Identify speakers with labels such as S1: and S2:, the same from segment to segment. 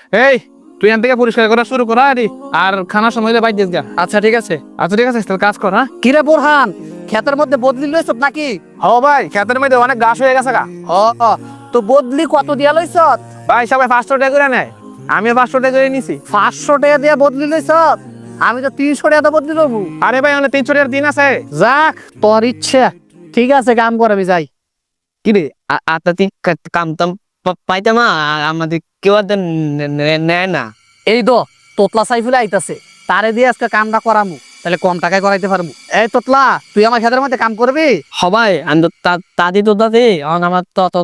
S1: এই তুই এখান থেকে পরিষ্কার করা শুরু করা আর খানার সময় বাইর দিস গা।
S2: আচ্ছা ঠিক আছে।
S1: আচ্ছা ঠিক আছে, তাহলে কাজ কর। হ্যাঁ
S2: কিরে বোরহান, ক্ষেতের মধ্যে বদলি লইছ নাকি?
S1: ও ভাই, ক্ষেতের মধ্যে অনেক ঘাস হয়ে গেছে গা।
S2: ও, তো বদলি কত দিয়া লইছ?
S1: ভাই সবাই 500 টাকা করে নেয়, আমিও 500 টাকা করে নিছি।
S2: 500 টাকা দিয়া বদলি লইছ? আমি তো 300 টাকা বদলি লবো।
S1: আরে ভাই অনেক 300 টাকার দিন আছে।
S2: যাক, তোর ইচ্ছা। ঠিক আছে, কাম কর, আমি যাই।
S3: কি রে আতাতি কাম টাম পাইতাম না, আমাদের কেউ আর নেয় না।
S2: এই তো তোতলা সাইফুলে আইতাছে, তারে দিয়ে আজকে কামটা করামু, তাহলে কম টাকায় করাইতে পারবো। এই তোতলা, তুই আমার ক্ষেতের মধ্যে কাম করবি?
S3: সবাই আমি তো তাদি তো দাদি আমার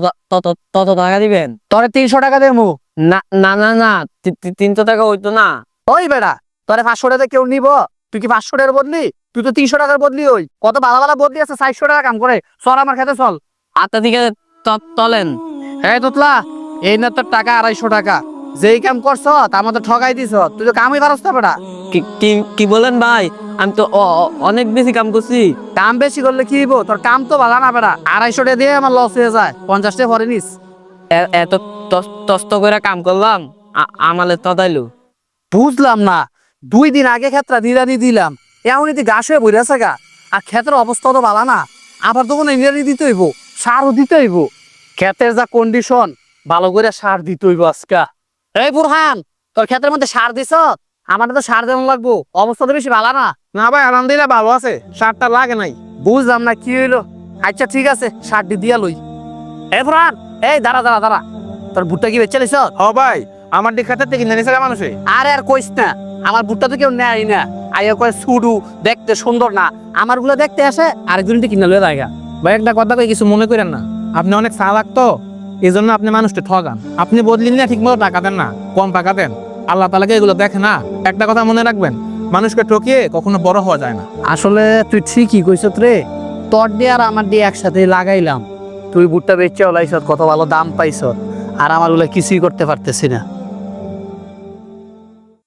S3: তত টাকা দিবেন।
S2: তোরে 300 টাকা দেবো।
S3: না না না না, 300 টাকা হইতো না।
S2: ওই বেড়া, তোরে 500 টাকা কেউ নিব? তুই কি 500 টাকার বদলি? তুই তো 300 টাকার বদলি। ওই কত ভালো ভালো বদলি আছে, 400 টাকা কাম করে। চল আমার খেতে চল।
S3: আতা থেকে তলেন।
S2: এই তোতলা, এই না তোর টাকা 250 টাকা। যেই কাম করছ তার মধ্যে ঠগাই দিছ, তুই তো কামই পারস না বেড়া।
S3: কি বলেন ভাই, আমি তো অনেক বেশি কাম করছি।
S2: কাম বেশি করলে কি হইব? তোর কাম তো ভালো না বেড়া। 250 টাকা দিয়ে আমার লস হয়ে যায়, 50 টাকা পরে নিস।
S3: এত তস্ত করে কাম করলাম, আমালে তদাইলো।
S2: বুঝলাম না, 2 দিন আগে ক্ষেত্রা নিরানি দিলাম, এমনই ঘাস হয়ে বইরে আছে গা। আর ক্ষেতের অবস্থা তো ভালো না, আবার তখন নিরানি দিতে হইব, সারও দিতে হইব। ক্ষেতের যা কন্ডিশন, ভালো করে সার দিতে হইব আজকা। এই বুরহান, তোর ক্ষেতের মধ্যে সার দিছ? আমার তো সার দেওয়া লাগবো, অবস্থা তো বেশি ভালো না।
S1: না ভাই আলহামদুলিল্লাহ ভালো আছে, সারটা লাগে নাই।
S2: বুঝলাম না কি হইলো। আচ্ছা ঠিক আছে, সারটি দিয়া লই। এই বুরহান, এই দাঁড়া দাঁড়া দাঁড়া, তোর ভুট্টা কি বেচে লিছ?
S1: ও ভাই, আমার দিকে থেকে কিনে নিছে গা মানুষে।
S2: আরে আর কইস না, আমার ভুট্টা তো কেউ নেয় না। আইয়া কয় সুডু, দেখতে সুন্দর না। আমার গুলো দেখতে আসে, আরেকজন কিনে লয়ে যায় গা।
S1: ভাই একটা কথা কই, কিছু মনে করেন না, আপনি অনেক চালাক তো, এই জন্য আপনি মানুষকে ঠগান। আপনি বদলি না ঠিক মতো টাকা দেন না, কম টাকা দেন। আল্লাহ তাআলাকে এগুলো দেখে না। একটা কথা মনে রাখবেন, মানুষকে ঠকিয়ে কখনো বড় হওয়া যায় না।
S2: আসলে তুই ঠিকই কইছত রে, তোর দিয়ে আর আমার দিয়ে একসাথে লাগাইলাম। তুই ভুট্টা বেচে ওলাইছত, কত ভালো দাম পাইছত, আর আমার গুলো কিছুই করতে পারতেছি না।